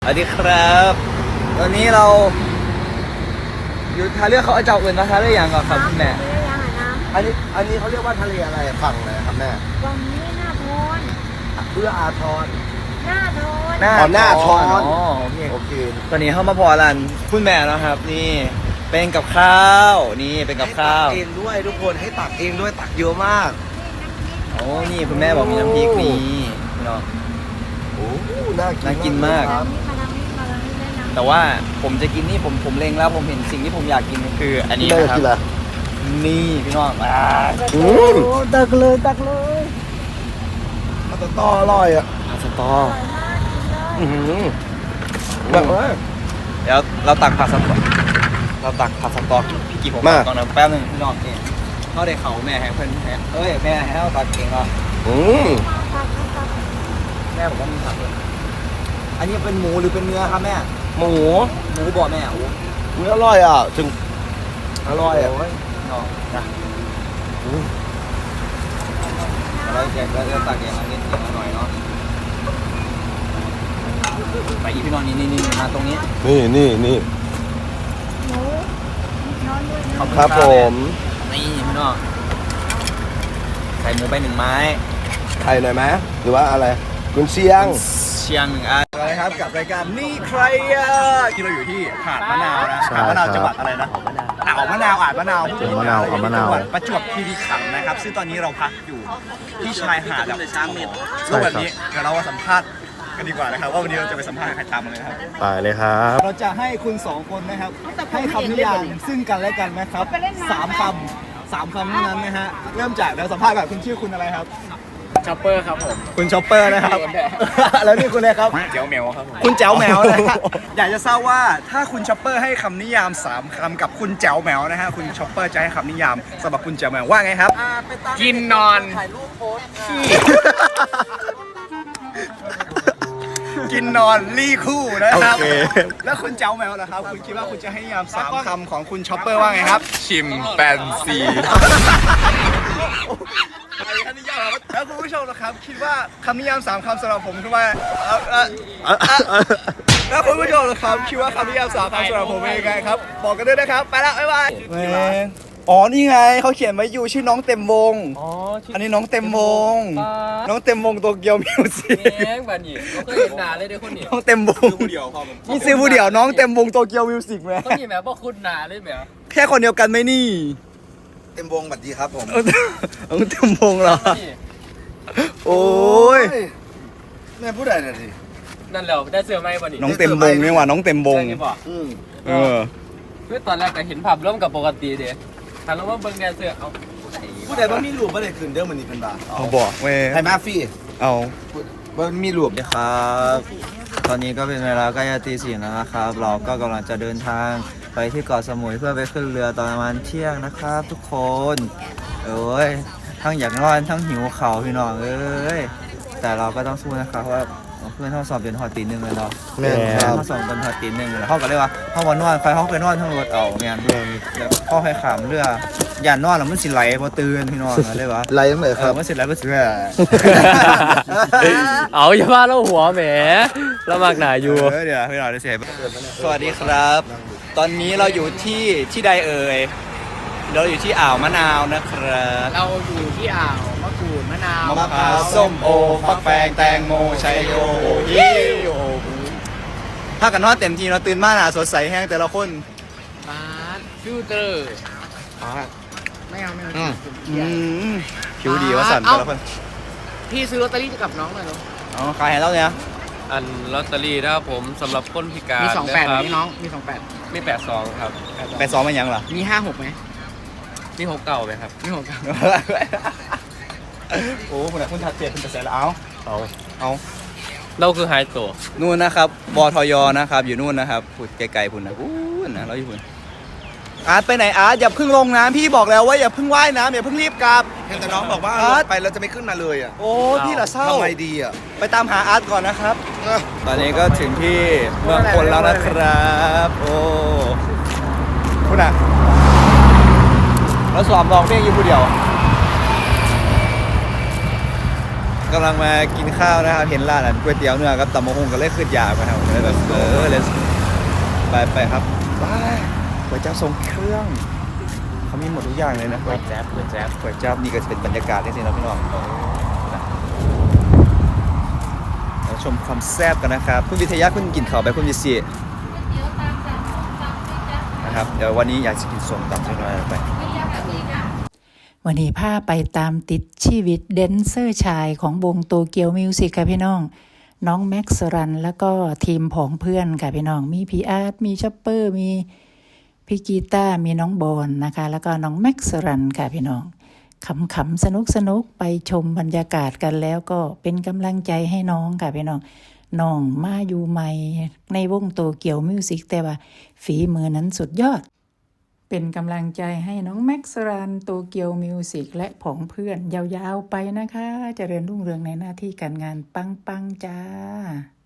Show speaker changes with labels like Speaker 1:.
Speaker 1: สวัสดีครับตอนนี้เราอยู่ทะเลเขาเอาเจ้าอื่นมาทะเลอย่างก่อนครับคุณแม่
Speaker 2: อันนี้เขาเรียกว่าทะเลอะไรฝั่งไหนครับแม่
Speaker 3: วันนี้หน้าโทน
Speaker 2: เอื้ออาทร
Speaker 3: หน้าโทน
Speaker 2: หน้าทอน
Speaker 1: อ๋อโอเค
Speaker 2: โอเค
Speaker 1: ตอนนี้เข้ามาพอรันคุณแม่แล้วครับ นี่เป็นกับข้าวนี่เป็นกับข้าว
Speaker 2: ให้ตักเองด้วยทุกคนให้ตักเองด้วยตักเยอะมาก
Speaker 1: โอ้นี่คุณแม่บอกมีน้ำพริกนี่เนาะ
Speaker 2: โอ้น่า
Speaker 1: น่ากินมาก
Speaker 3: มาทางนี้ได้นะ
Speaker 1: แต่ว่าผมจะกินนี่ผมเล็งแล้วผมเห็นสิ่งที่ผมอยากกินคือ อันนี้
Speaker 2: แม่
Speaker 1: นะครับ
Speaker 2: กินอะไร
Speaker 1: นี่พี่น้อง
Speaker 2: ตักเลยมันจะต่ออร่อยอ่ะ
Speaker 1: สตอ
Speaker 2: อือหือ
Speaker 1: แบบเดี๋ยวเราตักผัดสตอพี่กี่ผมก่อนนะแป๊บนึงพี่น้องเองเขาได้เขาแม่ให้เพื่อนแม่แม่ให้เราตักเองเหรอ
Speaker 2: อืม
Speaker 1: แม่ผมก็มีผักเลยอันนี้เป็นหมูหรือเป็นเนื้อครับแม่
Speaker 2: หมู
Speaker 1: หมูบอกแม่โอ้
Speaker 2: อุ้ยอร่อยอ่ะถึงอร่อยอ่ะ
Speaker 1: ยน้องนะเราจะตักเองมานิดเดียวหน่อยเนาะไปอีพี่น้องนี่มาตรงนี้
Speaker 2: นี่
Speaker 3: หมูนอนด้วย
Speaker 1: ขอบณ
Speaker 2: ครับผม
Speaker 1: นี่พี่น้องใส่หมูไป1 ไม้
Speaker 2: ไข่หน่อยไหมหรือว่าอะไรกุนเชียง
Speaker 1: เชียง1 อันอะไรครับกับรายการนี่ใครอ่ะที่เราอยู่ที่หาดมะนาวนะ
Speaker 2: ใช่
Speaker 1: หาดมะนาว
Speaker 2: ครับ
Speaker 1: จังหวัดอะไรนะอ่าวมะนาวมะนาว
Speaker 2: จังหวัดมะนาวอ่าวมะนาว
Speaker 1: จังหวัดประจวบคีรีขันธ์นะครับซึ่งตอนนี้เราพักอยู่ที่ชายหาดแบบช้างเม็ดรูปแบบนี้เดี๋ยวเรามาสัมภาษณ์กันดีกว่านะครับว่าวันนี้เราจะไปสัมภาษณ์ใครตามมาเลยครับ
Speaker 2: ไปเลยครับ
Speaker 1: เราจะให้คุณ2 คนนะครับให้คำนิยามซึ่งกันและกันนะครับ3 คำเท่านั้นนะฮะเริ่มจากเราสัมภาษณ์แบบคุณชื่อคุณอะไรครับ
Speaker 4: ช็อปเปอร์ครับผม
Speaker 1: คุณช็อปเปอร์นะครับ แล้วนี่คุณอะไรครับ
Speaker 4: เจียวแมวครับผม
Speaker 1: คุณแจ๋วแมวนะฮะอยากจะทราบว่าถ้าคุณช็อปเปอร์ให้คำนิยาม3 คำกับคุณแจ๋วแมวนะฮะคุณช็อปเปอร์จะให้คำนิยามสำหรับคุณแจ๋วแมวว่าไงครับ
Speaker 4: กินนอน
Speaker 1: กินนอนรี่คู่นะครับ
Speaker 2: โอเค
Speaker 1: แล้วคุณแจ๋วแมวล่ะครับคุณคิดว่าคุณจะให้นิยาม3 คำของคุณช็อปเปอร์ว่าไงครับ
Speaker 4: ชิมแปนซี
Speaker 1: แล้วคุณผู้ชมนะครับคิดว่าคำนิยาม3 คำสำหรับผมคือว่าแล้วคุณผู้ชมนะครับคิดว่าคำนิยาม3 คำสำหรับผมเป็นยังไงครับบอกกันด้วยนะครับไปแล้วบ๊ายบายอ๋อนี่ไงเขาเขียนไว้อยู่ชื่อน้องเต็มวง
Speaker 4: อ๋อ
Speaker 1: อันนี้น้องเต็มวงน้องเต็มวงโตเกียวมิวสิก
Speaker 4: แง่งบันนี่เขาเคยเห็นหนาเลยเด้อคนนี้
Speaker 1: น้องเต็มวงนี่ซื้อผู้เดียวน้องเต็มวงโตเกียวมิวสิกไหม
Speaker 4: คนนี้แหมบอกคุณหนาเลยแหม
Speaker 1: แค่คนเดียวกันไหมนี่
Speaker 2: เต็มวงบัดดีครับผม
Speaker 1: น้องเต็มวงเหรอ
Speaker 4: นี่
Speaker 1: โอ้ย
Speaker 2: แม่พูดอะไรหน่อยสิ
Speaker 4: นั่นแหละได้เสื้อไหมบันนี่
Speaker 1: น้องเต็มวงนี่หว่าน้องเต็มวง
Speaker 4: ใช่ป่ะ
Speaker 1: เออ
Speaker 4: คือตอนแรกก็เห็นภาพร่วมกับปกติเด้ถ้าเราว่าเบิ่งแดนเสื้อเอา
Speaker 2: พูดอะไรบ้างมีหลูบอะไรขึ้นเด้อมันนี่เป็นบ้า
Speaker 1: เขาบอกเว้ย
Speaker 2: ไทยมาฟี่
Speaker 1: เอา
Speaker 2: ว่ามีหลูบ
Speaker 1: สวัสดีครับ ตอนนี้ก็เป็นเวลาใกล้จะตี 4แล้วนะครับ เราก็กำลังจะเดินทางไปที่เกาะสมุยเพื่อไปขึ้นเรือตอนประมาณเที่ยงนะครับ ทุกคนเอ้ยทั้งอยากนอนทั้งหิวเข่าวพี่น้องเอ้ยแต่เราก็ต้องสู้นะครับเพราะว่าเพื่อนเขาสอบเป็นหอดตี 1เลยเนาะ
Speaker 2: แม่ครับ
Speaker 1: เขาสอบเป็นหอดตี 1แล้วเขาก็เลยว่าเขามานอนใครเขาไปนอนทั้งรถเอาแม่นเดี๋ยวเขาให้ขามเรืออย่านอนแล้วมันสิไหลพอตื่นพี่น้องเลยว่า
Speaker 2: ไรยังไงครับ
Speaker 1: มันสิไหลมันสิ
Speaker 4: เอาอย่าว่าเราหัวแหมเรามากหนาอยู่
Speaker 1: เดี๋ยวพี่หน่อยเดี๋ยวเสียสวัสดีครับ ตอนนี้เราอยู่ที่ใดเอ่ยเราอยู่ที่อ่าวมะนาวนะครับ
Speaker 4: เราอยู่ที่อ่าวมะกรูดมะนาว
Speaker 1: มะพร้าวส้มโอฟักแฟงแตงโมชัยโยฮิโอถ้ากันนอนเต็มทีเราตื่นมาหนาสดใสแห้งแต่ละคน
Speaker 4: บาสฟิลเตอร์ไม่เอา
Speaker 1: ผิวดีว่าสั่นแต่ละคน
Speaker 4: พี่ซื้อลอตเตอรี่กับน้องหน่อยเนาะ
Speaker 1: อ๋อขายให้เราเนี่ย
Speaker 5: อันลอตเตอรี่นะครับผมสำหรับคนพิการ
Speaker 4: มี
Speaker 5: นะครั
Speaker 4: 28มีน้องมี28
Speaker 5: มี82ครับ
Speaker 1: ไปซ้อมมันยังเหรอ
Speaker 4: มี56ไหม
Speaker 5: มี6เก่าไหมครับ
Speaker 4: มี6
Speaker 1: โอ้คุณชัดเจนคุณจะเสร็จแล้วเอา
Speaker 5: เราคือไฮโต
Speaker 1: นู่นนะครับบทยนะครับอยู่นู่นนะครับพูดไกลๆพุ่นนะนะเราอยู่พุ่นอาร์ตไปไหนอาร์ตอย่าเพิ่งลงน้ำพี่บอกแล้วว่าอย่าเพิ่งว่ายน้ำอย่าเพิ่งรีบกลับ
Speaker 2: แต่น้องบอกว่า
Speaker 1: อาร์ต
Speaker 2: ไปเราจะไม่ขึ้นมาเลยอ่ะ
Speaker 1: โอ้พี่ละเศร้า
Speaker 2: ทำไมดีอ่ะ
Speaker 1: ไปตามหาอาร์ตก่อนนะครับ ตอนนี้ก็ถึงที่เมืองพลแล้วนะครับโอ้คุณอ่ะเราสอบลองเพลงอยู่ผู้เดียวกำลังมากินข้าวนะครับเห็นร้านก๋วยเตี๋ยวเนื้อกับตำมะฮุ่งก็เลยขึ้นอยากมาครับเลยแบบเลยไปครับไปก๋วยจั๊บทรงเครื่องเขามีหมดทุกอย่างเลยนะก๋วยจั๊บก๋วยจั๊บนี่ก็จะเป็นบรรยากาศนี่สินะพี่น้องเราชมความแซ่บกันนะครับคุณวิทยาคุณกินข้าวไปคุณวิเศษนะครับเดี๋ยววันนี้อยากจะกินส้มตำสักหน่อยไป
Speaker 6: วันนี้พาไปตามติดชีวิตแดนเซอร์ชายของวงโตเกียวมิวสิกค่ะพี่น้องน้องแม็กซ์รันแล้วก็ทีมผองเพื่อนค่ะพี่น้องมีพี่อาร์ตมีช็อปเปอร์มีพี่กีตาร์มีน้องบอลนะคะแล้วก็น้องแม็กซ์รันค่ะพี่น้องขำๆสนุกไปชมบรรยากาศกันแล้วก็เป็นกำลังใจให้น้องค่ะพี่น้องน้องมาอยู่ใหม่ในวงโตเกียวมิวสิกแต่ว่าฝีมือนั้นสุดยอดเป็นกำลังใจให้น้องแม็กซ์รันโตเกียวมิวสิกและผองเพื่อนยาวๆไปนะคะเจริญรุ่งเรืองในหน้าที่การงานปังๆจ้า